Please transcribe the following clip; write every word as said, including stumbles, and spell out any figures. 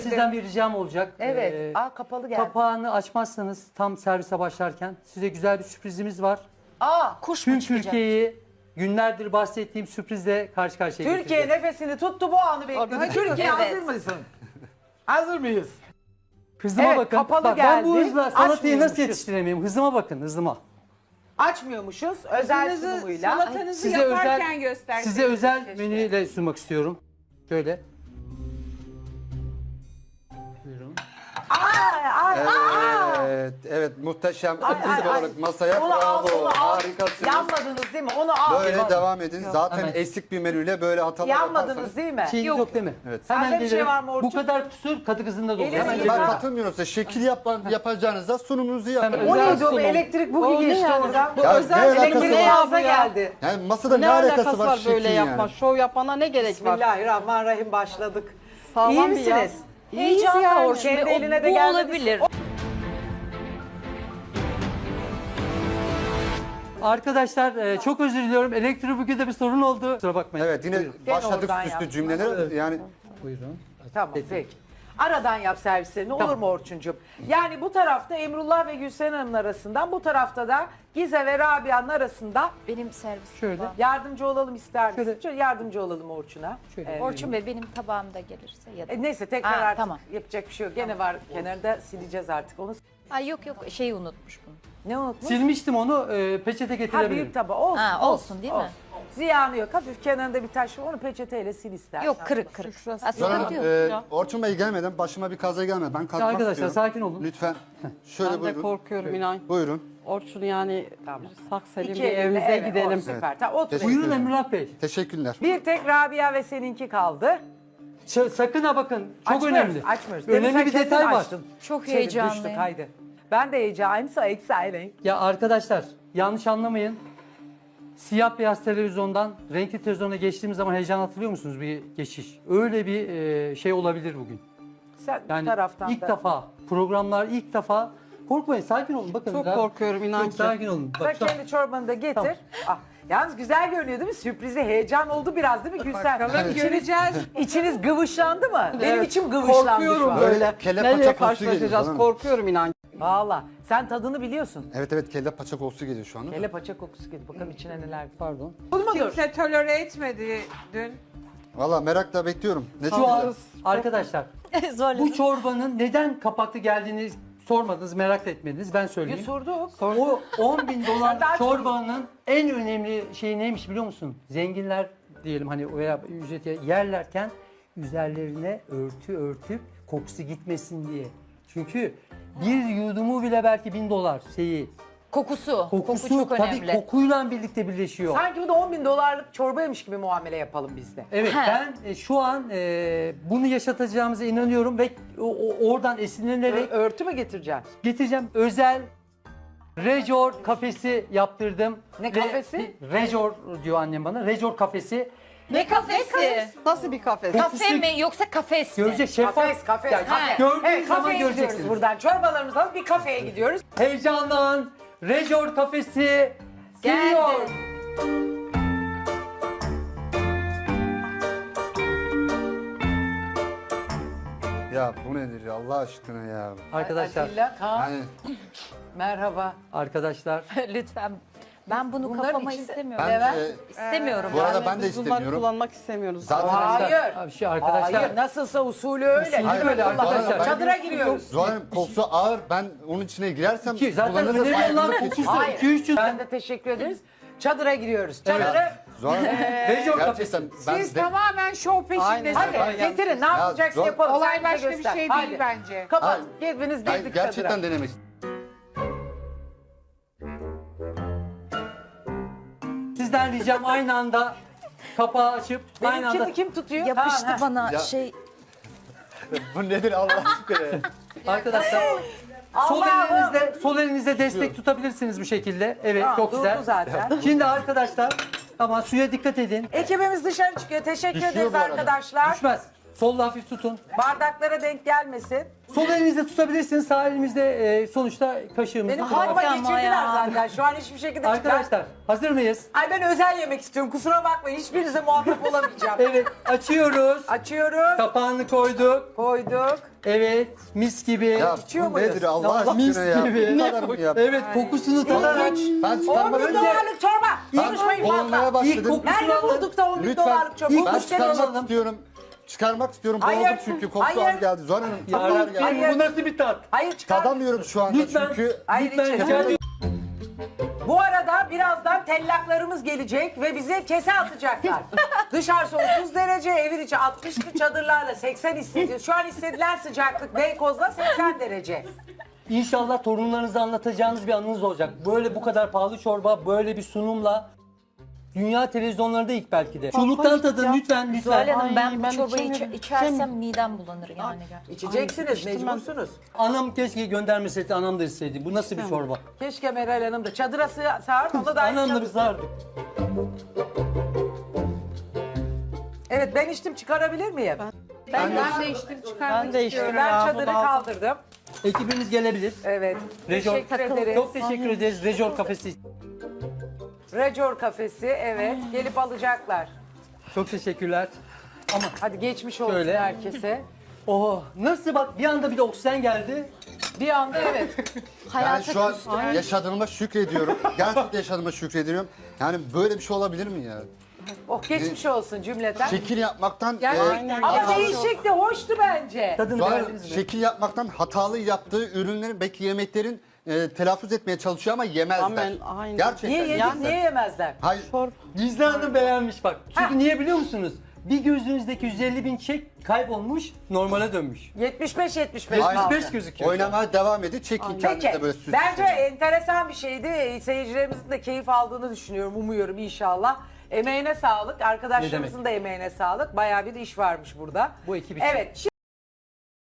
Sizden bir ricam olacak. Evet. Ee, Aa kapalı geldi. kapağını açmazsanız tam servise başlarken size güzel bir sürprizimiz var. Aa Kuş mu Tüm çıkacak? Türkiye'yi günlerdir bahsettiğim sürprizle karşı karşıya Türkiye getireceğim. nefesini tuttu bu anı bekliyor. Hadi Türkiye evet. hazır mısın? Hazır mıyız? Hızıma Evet, bakın. kapalı Bak, ben bu geldi. hızla salatayı Açmıyormuşuz. nasıl yetiştiremeyim? Hızıma bakın, hızıma. Açmıyormuşuz. Özel Hızınızı, sunumuyla. salatanızı Size yaparken özel, gösterseniz size özel keşke. menüyle sunmak istiyorum. Şöyle. Buyurun. Ay, ay, Evet, evet muhteşem. ay, Ekip ay. olarak masaya Onu al, bravo. onu al. Harikasınız. Yanmadınız değil mi? Onu al. Böyle devam edin. Zaten Hemen. eksik bir menüyle böyle hatalar Yanmadınız yaparsanız. değil mi? Şeyiniz yok. değil mi? Evet. Hemen Sende bir şey gelirim. var mı Orçun? Bu kadar kusur kadı kızında da olur. Elini Hemen yıka. Ben gelirim. katılmıyorum size. Şekil yapan, yapacağınızda sunumunuzu yapın. Hemen. O Özel neydi o? sunum. Elektrik bugi O ne geçti yani? oradan. Bu Ya özel ne alakası Elektrik var? boğaza ya. geldi. Yani masada ne, Ne alakası var, böyle şekil yapma? yani? Şov yapana ne gerek var? Bismillahirrahmanirrahim başladık. Sağlam İyi bir misiniz? yaz. Heyecanlı yani. Orçun Kendi Bey. O- eline de bu gelmedi. olabilir. Arkadaşlar e, çok özür diliyorum. Elektrik bugün bir sorun oldu. Kusura bakmayın. Evet yine Gene başladık oradan süslü yaptım. cümlelere. Yani Buyurun. Tamam peki. Aradan yap servislerini olur Tamam. mu Orçuncuğum? Yani bu tarafta Emrullah ve Gülsen Hanım'ın arasından, bu tarafta da Gize ve Rabia'nın arasında Benim servis. Şöyle. yardımcı olalım ister misin? Şöyle. Şöyle yardımcı olalım Orçun'a. Şöyle. Ee, Orçun Bey benim tabağımda gelirse ya da. e, neyse tekrar Aa, artık tamam. yapacak bir şey yok. Gene var kenarda, sileceğiz artık onu. Ay yok yok şeyi unutmuş bunu. Ne unutmuş? Silmiştim onu. E, peçete Ha getirebilirim. büyük tabağı olsun. Ha, olsun, değil mi? Ziyanı yok. Hafif kenarında bir taş var onu peçeteyle sil istersen. Yok kırık kırık. Şurası- Ha, Sonra sıkıntı yok. e, Orçun Bey gelmeden başıma bir kaza gelmedi. Ben kalkmak Arkadaşlar, istiyorum. sakin olun. Lütfen. Şöyle Ben de buyurun. korkuyorum inan. Buyurun. Orçun yani Tamam. sak selim İki bir elle, evimize evet, gidelim. o süper. Tamam, otur. Teşekkür Buyurun ederim. Emrullah Bey. Teşekkürler. Bir tek Rabia ve seninki kaldı. Ş- sakın ha bakın. Çok Açmıyoruz, önemli. Açmıyoruz. Demin Önemli sen bir kendin detay var. açtın. Çok Çevir, heyecanlıyım. düştük, haydi. Ben de heyecanlıyım. So exciting. Ya arkadaşlar yanlış anlamayın. Siyah beyaz televizyondan renkli televizyona geçtiğimiz zaman heyecan hatırlıyor musunuz bir geçiş? Öyle bir e, şey olabilir bugün. Sen Yani bu taraftan ilk da. defa programlar ilk defa korkmayın sakin olun bakın. Çok rahat- korkuyorum, inan Çok ki. sakin olun. Sen Bak, şu an- kendi çorbanı da getir. Tamam. Ah, yalnız güzel görünüyor değil mi? Sürprizi heyecan oldu biraz değil mi Gülsen? Bakalım göreceğiz. İçiniz gıvışlandı mı? Benim Evet, içim gıvışlandı şu Korkuyorum an. böyle. Kelle Nereye paça kokusu geliyor karşılaşacağız? bana. Korkuyorum inan. Valla sen tadını biliyorsun. Evet evet kelle paça kokusu geliyor şu anda. Kelle paça kokusu geliyor. Bakalım içine neler. Pardon. Kimse tolere etmedi dün. Valla merakla bekliyorum. Ne Şu an çıkacak? arkadaşlar Zorladım. bu çorbanın neden kapaklı geldiğini sormadınız, merak etmediniz. Ben Bir söyleyeyim. sorduk. O on bin Sen dolar daha çok- çorbanın en önemli şeyi neymiş biliyor musun? Zenginler diyelim hani veya ücreti yerlerken üzerlerine örtü örtüp kokusu gitmesin diye. Çünkü bir yudumu bile belki bin dolar şeyi. Kokusu. Kokusu Koku çok tabii önemli. kokuyla birlikte birleşiyor. Sanki bu da on bin dolarlık çorbaymış gibi muamele yapalım biz de. Evet He. ben e, şu an e, bunu yaşatacağımıza inanıyorum ve o- o- oradan esinlenerek Ö- örtü mü getireceksin? getireceğim. Özel Rejor kafesi yaptırdım. Ne Ve- kafesi? Rejor diyor annem bana. Rejor kafesi. Ne kafesi? Nasıl bir kafes? Kafe mi yoksa kafes mi? Görecek şeffaf. Kafes, kafes, Yani kafe. Gördüğünüz Evet, zaman kafeye gidiyoruz göreceksiniz. buradan. Çorbalarımızı alıp bir kafeye gidiyoruz. Heyecandan Rejor kafesi geliyor. Ya bu nedir ya Allah aşkına ya. Arkadaşlar, Atilla, Kaan, Yani merhaba. arkadaşlar Lütfen. Ben bunu Bunların kafama içinde- istemiyorum. ben Evet. e, İstemiyorum. bu arada Yani ben de biz bunları istemiyorum. kullanmak istemiyoruz. Zaten Hayır. Abi şey arkadaşlar. Hayır, nasılsa usulü öyle. Usulü Hadi öyle bakalım. arkadaşlar. Çadıra giriyoruz. Zuhal Hanım kokusu ağır. Ben onun içine girersem Ki zaten kullanırım, önemli olan ayrılık geçirir. kokusu. Hayır. iki üç yüz Ben de teşekkür ederiz. Çadıra giriyoruz. Çadırı. Ya, Zuhal Hanım, Rejor kafesi. gerçekten ben Siz de, tamamen şov peşindesiniz. Hadi Aynen. getirin ne yapacaksın zor- yapalım. Olay Sen bize başka bir göster. şey Hadi. değil bence. Kapat. Hayır. Hepiniz ben girdik gerçekten çadıra. denemek istiyorum. Sizden ricam aynı anda kapağı açıp aynı anda Benimkini kim tutuyor? Yapıştı Kaan, ha. bana Ya- şey. Bu nedir Allah aşkına ya? arkadaşlar sol Allah'ım. elinizde sol elinizde destek tutabilirsiniz bu şekilde. Evet Tamam, çok durdu güzel. zaten. Şimdi arkadaşlar ama suya dikkat edin. Ekibimiz dışarı çıkıyor. Teşekkür Düşüyor ederiz bu arada. arkadaşlar. Düşmez. Solla hafif tutun. Bardaklara denk gelmesin. Sol elinizde tutabilirsiniz, sağ elimizde e, sonuçta kaşığımızı Benim kullanalım. kafama ama geçirdiler ya. zaten. Şu an hiçbir şekilde çıkar. Arkadaşlar hazır mıyız? Ay ben özel yemek istiyorum. Kusura bakmayın. Hiçbirinize muhatap olamayacağım. Evet, açıyoruz. Açıyoruz. Kapağını koyduk. Koyduk. Evet, mis gibi. Ya İçiyor bu muyuz? nedir Allah mis aşkına ya? gibi. Bu kadar mı ya? Evet, kokusunu tadarak. Ben on çıkarmak bin Önce- dolarlık çorba. Konuşmayın Olmaya fazla. İlk başladım. kokusunu Nerede alın. bulduk da on bin Lütfen. dolarlık çorba? İlk Ben Müşteri kokusunu çıkarmak alalım. istiyorum. Çıkarmak istiyorum. Hayır. Boğuldum çünkü kokusu Hayır. az geldi. Zuhal Hanım Ya kokular Rabbim, geldi. bu nasıl bir tat? Hayır çıkar. Tadamıyorum şu anda Lütfen, çünkü. Hayır, lütfen içeri. rica ediyorum. Bu arada birazdan tellaklarımız gelecek ve bize kese atacaklar. Dışarısı otuz derece, evin içi altmışlı çadırlarla seksen hissediyor. Şu an hissedilen sıcaklık Beykoz'da seksen derece. İnşallah torunlarınıza anlatacağınız bir anınız olacak. Böyle bu kadar pahalı çorba, böyle bir sunumla dünya televizyonlarında ilk belki de. Çoluktan tadın lütfen Zuhal lütfen. Hanım ben bu ben çorbayı içe- içemiyorum. içersem midem bulanır yani. gerçekten. İçeceksiniz, mecbursunuz. Anam keşke göndermeseydi, anam da istedi. Bu nasıl bir çorba? Keşke Meral Hanım da çadıra sığ- sığar, onu da Anam da bir sardı. Evet ben içtim, çıkarabilir miyim? Ben, ben de içtim çıkarmak Ben de içtim. Ben çadırı kaldırdım. Ekibimiz gelebilir. Evet. Rejor, Teşekkür ederiz. çok teşekkür ederiz. Rejor kafesi. Rejor kafesi, evet. Gelip alacaklar. Çok teşekkürler. Ama Hadi geçmiş olsun Şöyle. herkese. oh, nasıl bak bir anda bir de oksijen geldi. Bir anda evet. Yani Hayata şu an küstüm. yaşadığıma şükrediyorum. Gerçekten yaşadığıma şükrediyorum. Yani böyle bir şey olabilir mi ya? Oh geçmiş olsun cümleten. Şekil yapmaktan Gerçekten. e, Ama hatalı- değişikti, hoştu bence. Tadını Zuhal Hanım, beğendiniz mi? şekil yapmaktan hatalı yaptığı ürünlerin belki yemeklerin e, telaffuz etmeye çalışıyor ama yemezler. Amen, aynen. Gerçekten Niye yedik, yemezler. niye yemezler? Hayır. Gizli Hanım beğenmiş bak. Çünkü Ha. niye biliyor musunuz? Bir gözünüzdeki yüz elli bin çek kaybolmuş, normale dönmüş. yetmiş beş yetmiş beş Aynen. kaldı. yetmiş beş gözüküyor. Oynamaya devam edin. Çekin kendinize Peki, böyle süs. bence enteresan bir şeydi. Seyircilerimizin de keyif aldığını düşünüyorum, umuyorum inşallah. Emeğine sağlık, arkadaşlarımızın demek? da emeğine sağlık. Bayağı bir iş varmış burada. Bu ekip için. Evet.